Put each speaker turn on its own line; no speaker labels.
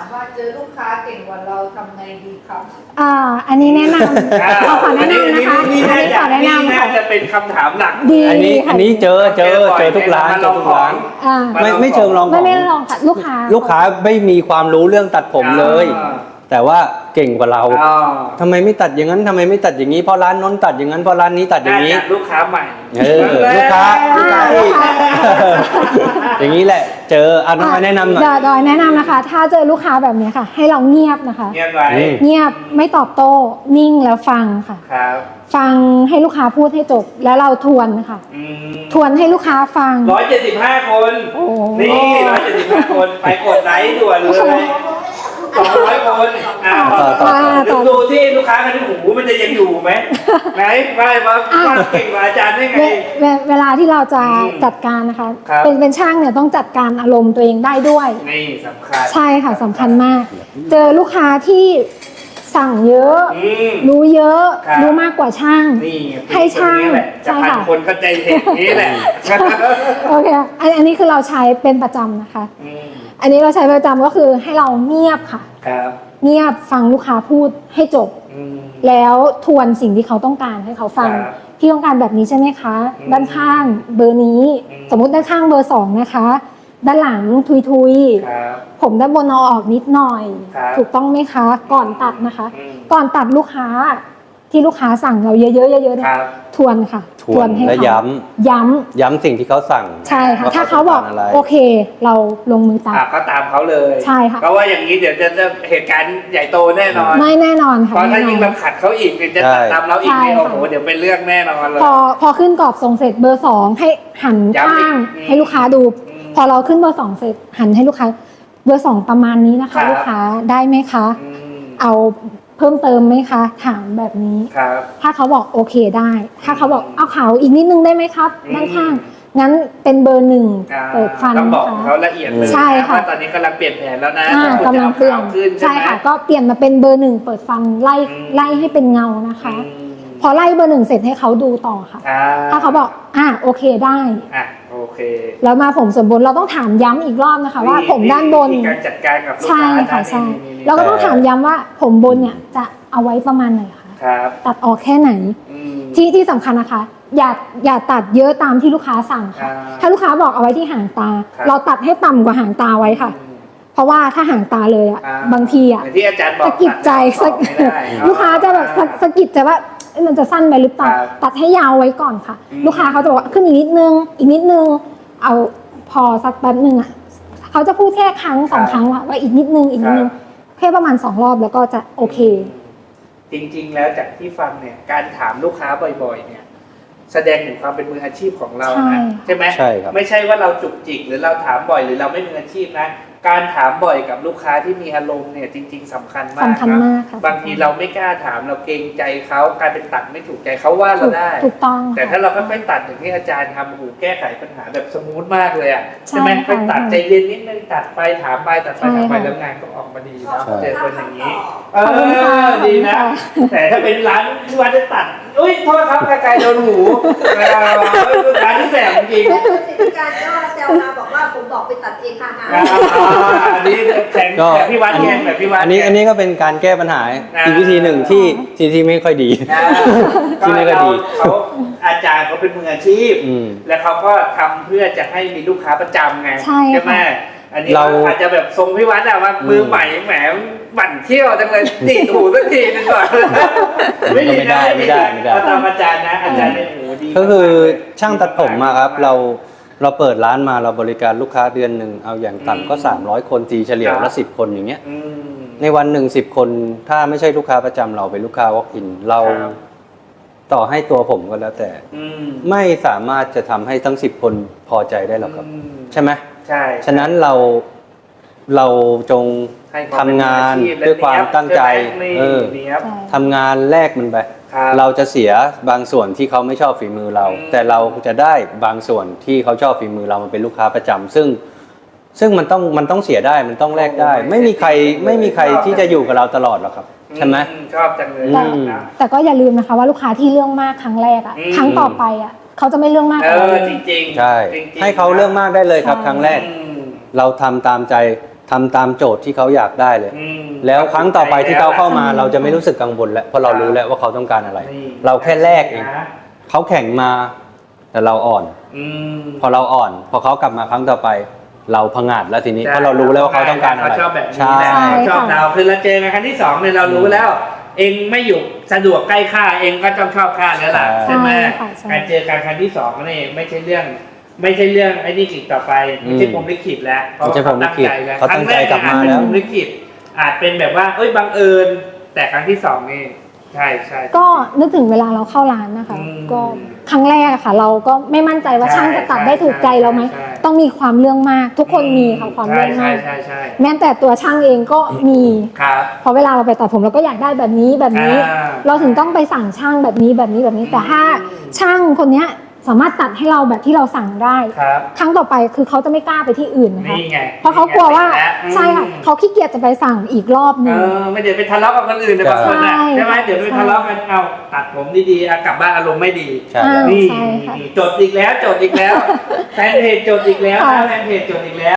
ว่าเจอลูกค้าเก่งกว่าเราทำไงดีครับ
อันนี้แนะนำขอแนะนำนะคะ
นี่
ขอแนะนำ
น่าจะเป็นคำถามหลัก
ดี
อันนี้เจอทุกร้านไม่เชิงลองของ
ไม่ลองค่ะลูกค้า
ไม่มีความรู้เรื่องตัดผมเลยแต่ว่าเก่งกว่าเราทำไมไม่ตัดอย่างนั้นทำไมไม่ตัดอย่างนี้เพราะร้านน้นตัดอย่างนั้นเพราะร้านนี้ตัดอย่างนี้
ลูกค้าใหม่
ลูกค้าอย่างนี้แหละเจอแนะนำหน่อย
ดอยแนะนำนะคะถ้าเจอลูกค้าแบบนี้ค่ะให้เราเงียบนะคะ
เงียบไว้
เงียบไม่ตอบโต้นิ่งแล้วฟังค่ะฟังให้ลูกค้าพูดให้จบแล้วเราทวนค่ะทวนให้ลูกค้าฟัง
175 คนนี่175 คนไปกดไลค์ด่วนเลย200 คนดูที่ลูกค้ากันที่หูมันจะยังอยู่ไหมไหนไม่มาเก่งกว่าอาจารย์ได้ไง
เวลาที่เราจะจัดการนะคะเป็นช่างเนี่ยต้องจัดการอารมณ์ตัวเองได้ด้วย
นี่สำคัญ
ใช่ค่ะสำคัญมากเจอลูกค้าที่สั่งเยอะรู้เยอะรู้มากกว่าช่างให้ช่าง
ใช่ค่ะคนเข้าใจเห็นนี้แหละ
โอเคอันนี้คือเราใช้เป็นประจำนะคะอันนี้เราใช้ประจำก็คือให้เราเงียบค่ะเงียบฟังลูกค้าพูดให้จบแล้วทวนสิ่งที่เขาต้องการให้เขาฟังพี่ต้องการแบบนี้ใช่ไหมคะด้านข้างเบอร์นี้สมมุติด้านข้างเบอร์2นะคะด้านหลังทุยผมด้านบนเอาออกนิดหน่อยถูกต้องไหมคะก่อนตัดนะคะก่อนตัดลูกค้าที่ลูกค้าสั่งเราเยอะๆเนี่ยทวนค่ะ
ทวนให้เขาย้ำสิ่งที่เขาสั่ง
ใช่ค่ะถ้าเขาบอกโอเคเราลงมือตัด
ก็ตามเขาเลย
ใช่ค่ะ
เพราะว่าอย่างนี้เดี๋ยวจะเหตุการณ์ใหญ่โตแน่นอน
ไม่แน่นอนค่ะ
เพราะถ้ายิ่งเราขัดเขาอีกจะตัดตามเราอีกโอ้โหเดี๋ยวเป็นเรื่องแน่นอนเลย
พอขึ้นกรอบทรงเสร็จเบอร์2ให้หันข้างให้ลูกค้าดูพอเราขึ้นเบอร์2เสร็จหันให้ลูกค้าเบอร์2ประมาณนี้นะคะลูกค้าได้ไหมคะเอาเพิ่มเติมไหมคะถามแบบนี้ถ้าเขาบอกโอเคได้ถ้าเขาบอกเอาขาวอีกนิดนึงได้ไหมครับด้านข้างงั้นเป็นเบอร์1เปิดฟัน
ต้องบอกเขาละเอียดเลย
ใช่ค่ะ
ตอนนี้กำลังเปลี่ยนแผนแล้วนะ
กำลังเปลี่ยนใช่ค่ะก็เปลี่ยนมาเป็นเบอร์1เปิดฟันไล่ให้เป็นเงานะคะพอไล่เบอร์1เสร็จให้เขาดูต่อค่ะถ้าเขาบอกโอเคได้
โอเค
แล้วมาผมส่วนบนเราต้องถามย้ำอีกรอบนะคะว่าผมด้านบน
การจัดการกับลูกค้า
ใช่ค่ะใช่เราก็ต้องถามย้ำว่าผมบนเนี่ยจะเอาไว้ประมาณไหนคะตัดออกแค่ไหนที่สำคัญนะคะอย่าตัดเยอะตามที่ลูกค้าสั่งค่ะถ้าลูกค้าบอกเอาไว้ที่หางตาเราตัดให้ต่ำกว่าหางตาไว้ค่ะเพราะว่าถ้าหางตาเลยบางทีสะกิดใจลูกค้าจะแบบสะกิดใจว่ามันจะสั้นไปหรือเปล่าตัดให้ยาวไว้ก่อนค่ะลูกค้าเขาจะบอกขึ้นอีกนิดนึงเอาพอสักแป๊บนึงเขาจะพูดแค่ครั้ง2 ครั้งว่าอีกนิดนึงแค่ประมาณ2 รอบแล้วก็จะโอเค
จริงๆแล้วจากที่ฟังเนี่ยการถามลูกค้าบ่อยๆเนี่ยแสดงถึงความเป็นมืออาชีพของเรานะใช่ไหม
ใช่ครับ
ไม่ใช่ว่าเราจุกจิกหรือเราถามบ่อยหรือเราไม่มืออาชีพนะการถามบ่อยกับลูกค้าที่มีอารมณ์เนี่ยจริงๆสำคัญมากนะบางทีเราไม่กล้าถามเราเกรงใจเขาการเป็นตัดไม่ถูกใจเขาว่าเราได้
ถูกต้อง
แต่ถ้าเราค่อยๆตัดอย่างที่อาจารย์ทำโอ้โหแก้ไขปัญหาแบบสมูทมากเลยใช่ไหมไปตัดใจเย็นนิดนึงตัดไปถามไปตัดไปถามไปแล้วงานก็ออกมาดีนะเจอคนอย่างนี้ดีนะแต่ถ้าเป็นร้านที่ว่าจะตัดอุ้ยโทษครับไกลโดนหูร้านที่แสบจริง
การก็แซวมาบอกว่าผมบอกไปตัดเองค่ะ
อันนี้แบบพี่วัดแกแบบพี่วัด
อันนี้ก็เป็นการแก้ปัญหาอีกวิธีหนึ่งที่ไม่ค่อยดี
ที่ไม่ค่อยดีเขาอาจารย์เขาเป็นมืออาชีพและเขาก็ทำเพื่อจะให้มีลูกค้าประจำไงใช่ไหมอันนี้เราอาจจะแบบทรงพี่วัดว่ามือใหม่แหมบั่นเที่ยวจังเลยตีถูสักทีนึงก่อน
ไม่ได้
ตามอาจารย์นะอาจารย์ในหูดี
ก็คือช่างตัดผมมาครับเราเปิดร้านมาเราบริการลูกค้าเดือนหนึ่งเอาอย่างต่ำก็300 คนตีเฉลี่ยละ10 คนอย่างเงี้ยในวันหนึ่ง10 คนถ้าไม่ใช่ลูกค้าประจำเราเป็นลูกค้า walk in เราต่อให้ตัวผมก็แล้วแต่ไม่สามารถจะทำให้ทั้ง10 คนพอใจได้หรอกครับใช่ไหม
ใช่
ฉะนั้นเราจงทำงานด้วยความตั้งใจทำงานแลกมันไปเราจะเสียบางส่วนที่เขาไม่ชอบฝีมือเราแต่เราจะได้บางส่วนที่เขาชอบฝีมือเรามันเป็นลูกค้าประจำซึ่งมันต้องเสียได้มันต้องแลกได้ไม่มีใครที่จะอยู่กับเราตลอดหรอกครับใช่ไหม
ชอบจังเลย
แต่ก็อย่าลืมนะคะว่าลูกค้าที่เรื่องมากครั้งแรกครั้งต่อไปเขาจะไม่เรื่องมาก
จริง
ใช่ให้เขาเรื่องมากได้เลยครับครั้งแรกเราทำตามใจทำตามโจทย์ที่เขาอยากได้เลย
อืม
แล้วครั้งต่อไปที่เขาเข้ามาเราจะไม่รู้สึกกังวลแล้วเพราะเรารู้แล้วว่าเขาต้องการอะไร
นี่
เราแค่แลกเองเขาแข่งมาแต่เราอ่อน
อืม
พอเราอ่อนพอเขากลับมาครั้งต่อไป เราพังอาจแล้วทีนี้
ใช่
เพราะเรารู้แล้วว่าเขาต้องการอะไร
เขาชอบแบบนี้
ใช่
แหละเขาชอบเราคือเราเจอกันครั้งที่สองเนี่ยเรารู้แล้ว เองไม่อยู่สะดวกใกล้ข้าเองก็ต้องชอบข้าแล้วล่ะ
ใช่
ใช่ไหม
ค่ะใช่
การเจอกันครั้งที่สองนี่ไม่ใช่เรื่องไอ้นี่กิจต่อไปไม่ใช่พรหมลิขิตแล้วเพราะ
ไม่ใช่พรหมลิขิต
แล้ว
เขาตั้งใจกลับมา
ครั้งแรกเนี่ยอาจเป็น
แล้ว
พรหมลิขิตอาจเป็นแบบว่าเอ้ยบังเอิญแต่ครั้งที่สองนี่ใช่ใช่
ก็นึกถึงเวลาเราเข้าร้านนะคะ
อืม
ก็ครั้งแรกอะค่ะ เราก็ไม่มั่นใจว่า
ใช่
ช่างจะตัดได้ถูกใจเราไหม
ใช่
ต้องมีความเรื่องมาก ทุกคนมีค่ะความเรื่องมาก
ใช่ใช่
แม้แต่ตัวช่างเองก็มี
ครับ
เพราะเวลาเราไปตัดผมเราก็อยากได้แบบนี้แบบนี้
อ่า
เราถึงต้องไปสั่งช่างแบบนี้แบบนี้แบบนี้ แต่ถ้า
อืม
ช่างคนเนี้ยสามารถตัดให้เราแบบที่เราสั่งได้
ครับ
ครั้งต่อไปคือเขาจะไม่กล้าไปที่อื่นนะคะ
นี่ไง
เพราะเขากลัวว่า
นี่ไง
ใช่ค่ะเขาขี้เกียจจะไปสั่งอีกรอบหนึง
ไม่เดี๋ยวไปทะเลาะกับคนอื่นเดี๋ยวบางคนน่ะ
ใช่
ใช่ไหมเดี๋ยวไปทะเลาะกันเอาตัดผมดีๆกลับบ้านอารมณ์ไม่ดี
ใช่
อ่า
นี่
ใช่ค่ะ
จดอีกแล้วแฟนเพจจดอีกแล้วนะแฟนเพจจดอีกแล้ว